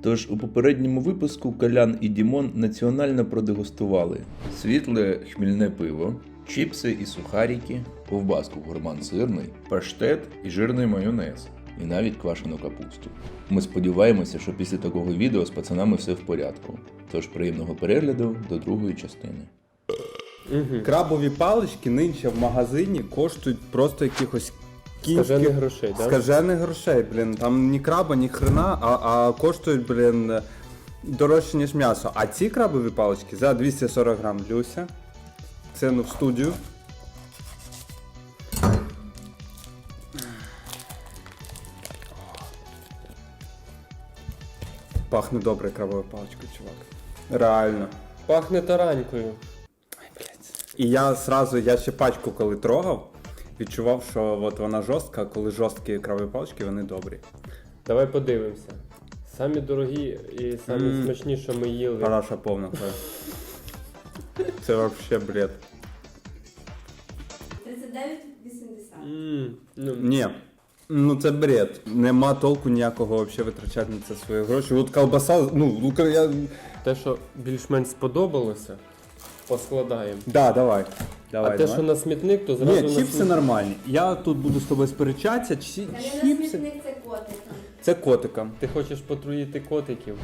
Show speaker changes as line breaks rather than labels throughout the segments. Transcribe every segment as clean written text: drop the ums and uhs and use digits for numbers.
Тож у попередньому випуску Колян і Дімон національно продегустували світле хмільне пиво, чіпси і сухарики, ковбаску гурман сирний, паштет і жирний майонез, і навіть квашену капусту. Ми сподіваємося, що після такого відео з пацанами все в порядку. Тож приємного перегляду до другої частини.
Крабові палички нинче в магазині коштують просто якихось
Скажених грошей, да?
Скажених грошей, блін. Там ні краба, ні хрена, а коштують, блін, дорожче, ніж м'ясо. А ці крабові палички за 240 грам, Люся. Це в студію. Пахне добре крабовою паличкою, чувак. Реально.
Пахне таранькою.
І я ще пачку коли трогав, відчував, що от вона жорстка, а коли жорсткі крабові палички, вони добрі.
Давай подивимося. Самі дорогі і самі смачні, що ми їли.
Параша повна. Це взагалі бред.
39,80.
Ні. Ну це бред. Нема толку ніякого взагалі витрачати на це свої гроші. От колбаса, я...
Те, що більш-менш сподобалося, поскладаємо.
Да, давай.
А те, що на смітник, то зразу
Ні,
на
чіпси
смітник.
нормальні. Я тут буду з тобою сперечатися. Чіпси.
Це котиком.
Це котиком.
Ти хочеш потруїти котиків?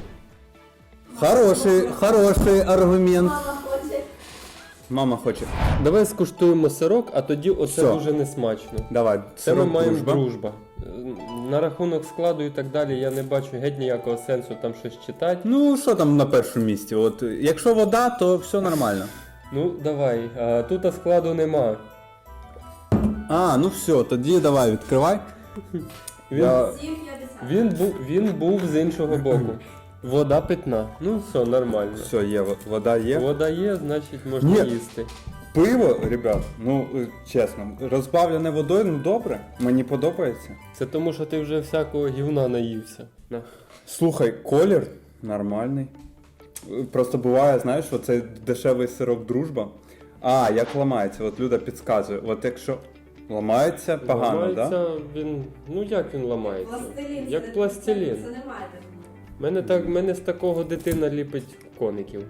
Хороший аргумент.
Мама хоче.
Мама хоче.
Давай скуштуємо сирок, а тоді оце
Все.
дуже несмачно.
Давай.
Це ми
сирок
маємо
дружба.
дружба. На рахунок складу і так далі я не бачу геть ніякого сенсу там щось читати.
Ну, що там на першому місці? От, якщо вода, то все нормально.
Ну, давай. Тут складу нема.
Ну все, тоді давай, відкривай.
Він,
7,50.
він був з іншого боку. Вода питна. Ну все, нормально.
Все, є, вода є.
Вода є, значить можна
Ні.
їсти.
Пиво, ребят, чесно, розбавлене водою, добре, мені подобається.
Це тому, що ти вже всякого гівна наївся. На.
Слухай, колір нормальний. Просто буває, знаєш, оцей дешевий сирок дружба. Як ламається, от Люда підказує. От якщо ламається погано,
Ламається
да?
він. Ну як він ламається?
Пластилін.
Як пластилін.
Це немає.
Мене з такого дитина ліпить коників.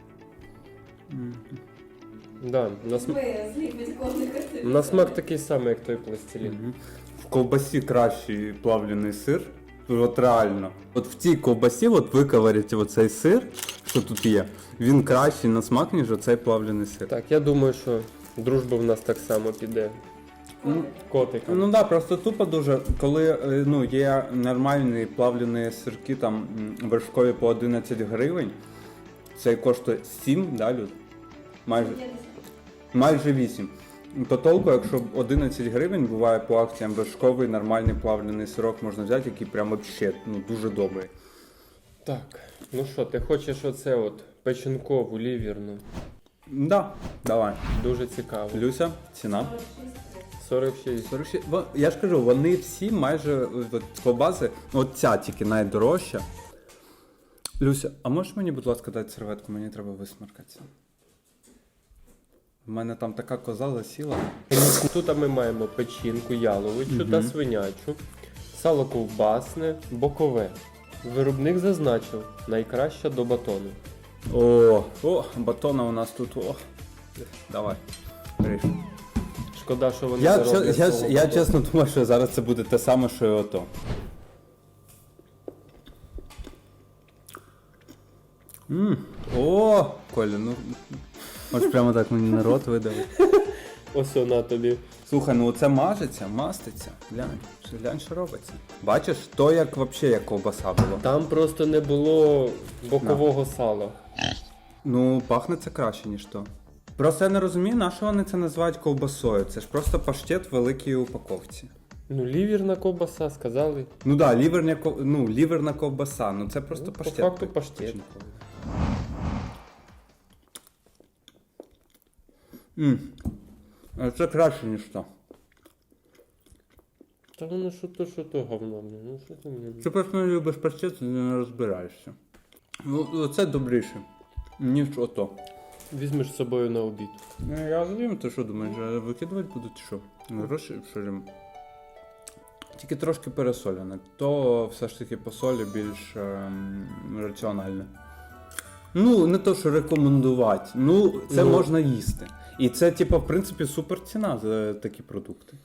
Да,
Ми зліпить коника.
на смак такий самий, як той пластилін.
В ковбасі кращий плавлений сир. От реально. От в цій ковбасі, от ви коварите оцей сир, що тут є, він кращий на смак, ніж оцей плавлений сир.
Так, я думаю, що дружба в нас так само піде. Котиком.
Ну да, просто тупо дуже, коли є нормальні плавлені сирки там вершкові по 11 гривень, цей коштує 7, да, Люд? Майже 8. То толку, якщо 11 гривень буває по акціям вершковий нормальний плавлений сирок можна взяти, який прям вообще дуже добрий.
Так, ну що, ти хочеш оце от печінкову, лівірну?
Да, давай.
Дуже цікаво.
Люся, ціна?
46.
46. Я ж кажу, вони всі майже от, ковбаси, от ця тільки найдорожча. Люся, а можеш мені, будь ласка, дати серветку? Мені треба висмаркатися. У мене там така коза засіла.
Тут ми маємо печінку яловичу та свинячу, сало ковбасне, бокове. Виробник зазначив, найкраща до батону.
Батона у нас тут, Давай, ріж.
Шкода, що вони
Я,
не роблять свого
я
батону.
чесно думаю, що зараз це буде те саме, що і ото. Коля, ось прямо так мені на рот видавив.
Ось на тобі.
Слухай, оце маститься. Глянь, що робиться. Бачиш, то як взагалі як ковбаса було.
Там просто не було бокового сала.
Пахне це краще, ніж то. Просто я не розумію, на що вони це називають ковбасою. Це ж просто паштет в великій упаковці.
Лівірна ковбаса, сказали.
Ну так, ліверна ковбаса, це просто паштет.
По факту паштет.
Це краще, ніж то.
Та воно що то говно. Ну що ти мені?
Ти просто не любиш паштет, ти не розбираєшся. Це добріше, ніж ото.
Візьмеш з собою на обід.
Я розумію, ти що думаєш, викидувати буду чи що? Гроші, що ж? Тільки трошки пересолене. То все ж таки по солі більш раціональне. Ну, не то, що рекомендувати. Ну, це
Ну.
можна їсти. І це, типу, в принципі, супер ціна за такі продукти.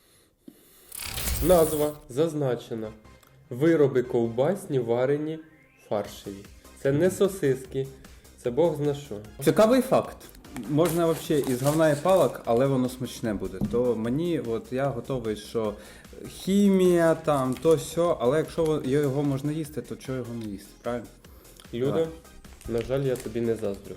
Назва зазначена. Вироби ковбасні, варені, фаршеві. Це не сосиски, це Бог зна що.
Цікавий факт. Можна взагалі із говна і палок, але воно смачне буде. То мені, от я готовий, що хімія там, то сьо, але якщо його можна їсти, то чого його не їсти, правильно?
Люда, на жаль, я тобі не заздрю.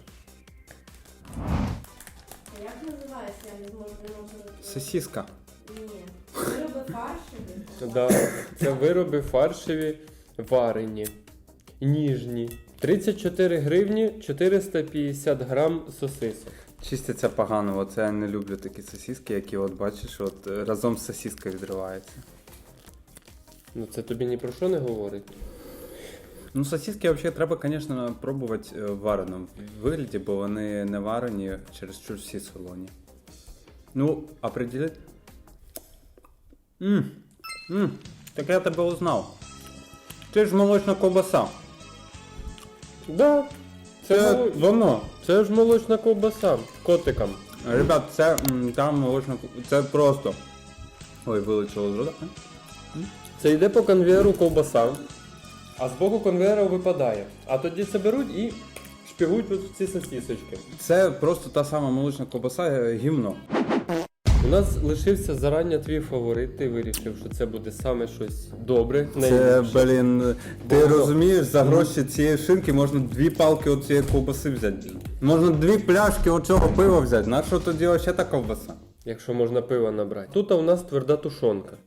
А як називається? Я не можу.
Сосиска.
Ні. Вироби фаршеві.
Да, це вироби фаршеві, варені, ніжні. 34 гривні, 450 грам сосисок.
Чистяться погано, оце я не люблю такі сосиски, які от бачиш, от разом з сосискою відриваються.
Ну це тобі ні про що не говорить.
Ну, сосиски взагалі треба, звісно, пробувати в вареному вигляді, бо вони не варені, чересчур всі солоні. Ну, определить. Так я тебе узнав. Ти ж молочна ковбаса.
Да,
Це воно.
це ж молочна ковбаса котикам.
Ребят, це там молочна це просто. Ой, вилетіло з рота.
Це йде по конвейеру ковбаса, а з боку конвейера випадає. А тоді це беруть і шпігують от в ці сосісочки.
Це просто та сама молочна ковбаса, гімно.
У нас лишився зарання твій фаворит, ти вирішив, що це буде саме щось добре.
Це,
найліпше.
блін, ти
Бо-
розумієш, за гроші цієї шинки можна 2 палки от цієї ковбаси взяти. Можна 2 пляшки оцього пива взяти. На що тоді ще та ковбаса?
Якщо можна пива набрати. Тут у нас тверда тушонка.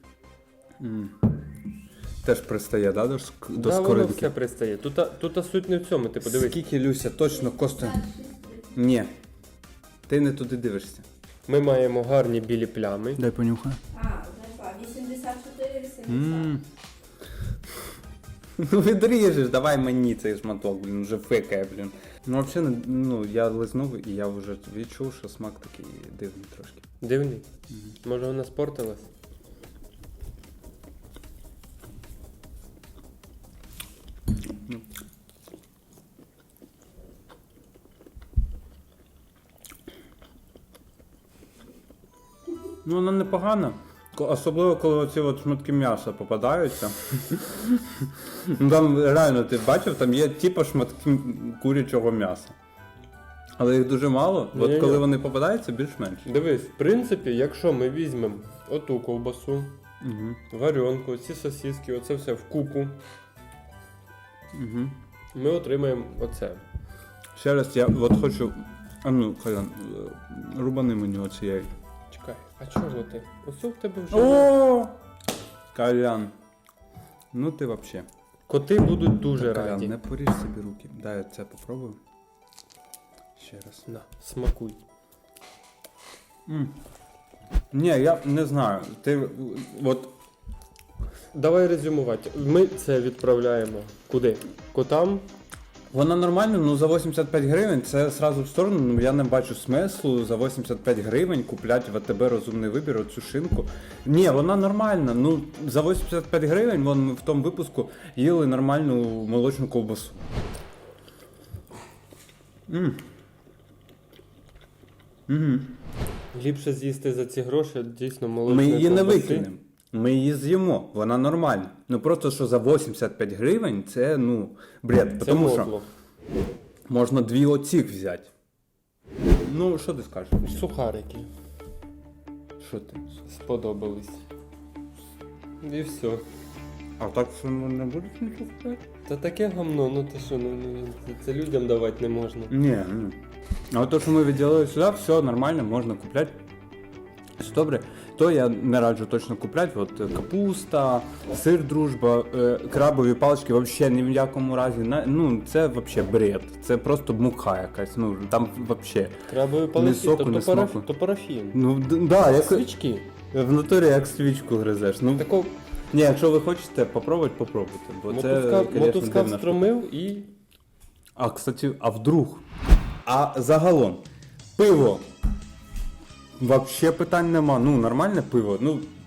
Теж пристає, да, до
Да, воно
скоринки?
все пристає. Тут суть не в цьому, ти подивись.
Скільки, Люся, точно коштує? Ні. Ти не туди дивишся.
Ми маємо гарні білі плями.
Дай понюхай.
Знайшла. 84,80.
Ну відріжеш, давай мені цей шматок, блін, вже фикає, блін. Ну взагалі, ну я лизнув і я вже відчув, що смак такий дивний трошки.
Дивний. Може вона спортилась?
Ну вона непогана. Особливо, коли оці от шматки м'яса попадаються. Ну там реально, ти бачив, там є типу шматки курячого м'яса. Але їх дуже мало, от
Ні-ні.
коли вони попадаються, більш-менш.
Дивись, в принципі, якщо ми візьмемо оту ковбасу,
Угу.
варенку, ці сосиски, оце все в купу,
Угу.
ми отримаємо оце.
Ще раз я от хочу. А ну, Колян, рубани мені оцієї.
Чекай, а чого ти? Оце в тебе вже.
О! Колян. Ну ти вообще.
Коти будуть дуже
Колян,
раді.
не поріж собі руки. Дай я це попробую. Ще раз.
На, смакуй.
Ні, я не знаю. Ти от.
Давай резюмувати. Ми це відправляємо куди? Котам.
Вона нормальна, ну за 85 гривень це сразу в сторону, ну я не бачу смислу за 85 гривень купляти в АТБ розумний вибір оцю шинку. Ні, вона нормальна, ну за 85 гривень вон ми в тому випуску їли нормальну молочну ковбасу.
Ліпше з'їсти за ці гроші, дійсно молочної
Ми її не
ковбаси.
викинемо. Ми її з'їмо, вона нормальна. Ну просто що за 85 гривень це, ну, бред.
Це
Тому що
мотло.
можна 2 оцих взяти. Ну, що ти скажеш?
Сухарики
Що ти?
сподобались. І все.
А так що не будеш нічого купляти?
Та таке гамно, ну ти що, це людям давати не можна.
Ні, ні. А от то, що ми відділили сюди, все нормально, можна купляти. Все добре. То я не раджу точно купляти. От капуста, сир дружба, крабові палички взагалі ні в якому разі. Ну, це взагалі бред. Це просто мука якась. Ну, там взагалі.
Крабові
Ні
палички,
соку, ні смаку.
то парафін.
Ну, да, як
Свічки.
в натурі як свічку гризеш. Ну,
Тако
ні, якщо ви хочете попробувати, попробуйте. Бо це, конечно,
мотузка
дивна штука.
встромив і
А, кстати, а вдруг? А загалом, пиво. Вообще питань нема. Ну, нормальне пиво. Ну,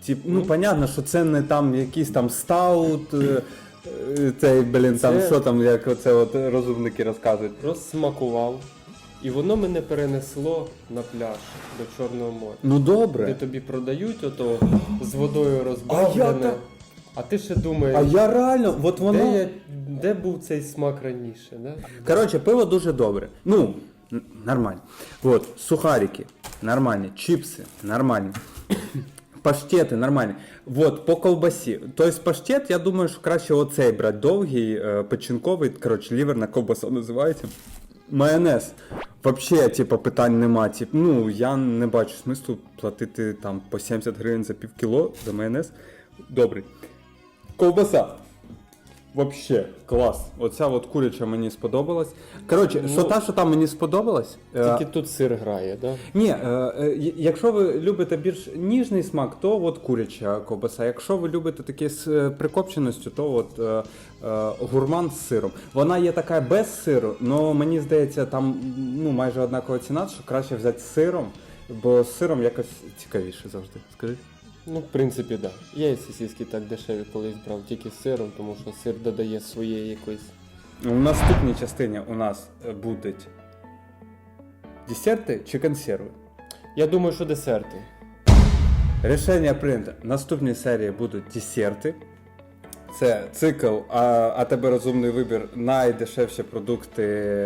Ну, понятно, що це не там якийсь там стаут, цей, блін, там,
Це-
що там, як оце от розумники розказують.
Розсмакував. І воно мене перенесло на пляж до Чорного моря.
Ну,
Де
добре.
тобі продають ото з водою розбавлене.
та-
А ти ще думаєш,
А я реально, от воно...
де був цей смак раніше, да?
Коротше, пиво дуже добре. Ну, нормально. Вот, сухарики нормальні, чипси нормальні. Паштети нормальні. Вот, по ковбасі. Тобто паштет, я думаю, що краще оцей брати довгий, печінковий, коротше, ліверна ковбаса називається. Майонез. Вообще, типу, питань нема. Ну, я не бачу смислу платити там по 70 гривень за пів кіло за майонез. Добрий. Ковбаса. Вообще, клас. Оця от куряча мені сподобалась. Коротше, що там мені сподобалось?
Тільки тут сир грає, да?
Ні, якщо ви любите більш ніжний смак, то от куряча ковбаса. Якщо ви любите таке з прикопченістю, то от гурман з сиром. Вона є така без сиру, але мені здається, там ну, майже однакова ціна, що краще взяти з сиром, бо з сиром якось цікавіше завжди. Скажи.
Ну, в принципі, так. Да. Я і сосиски так дешеві колись брав, тільки з сиром, тому що сир додає своєї якоїсь.
У наступній частині у нас будуть десерти чи консерви.
Я думаю, що десерти.
Рішення прийнято. В наступній серії будуть десерти. Це цикл, а тебе розумний вибір, найдешевші продукти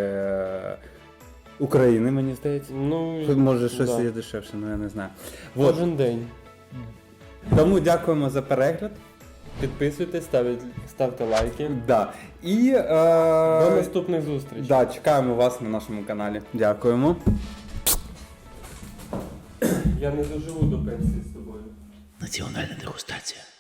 України, мені здається.
Ну,
Тут може щось
да.
є дешевше, але я не знаю. Вот.
Кожен день.
Тому дякуємо за перегляд.
Підписуйтесь, ставте лайки.
Да. І
До наступних зустрічей.
да, чекаємо вас на нашому каналі. Дякуємо.
Я не доживу до пенсії з тобою.
Національна дегустація.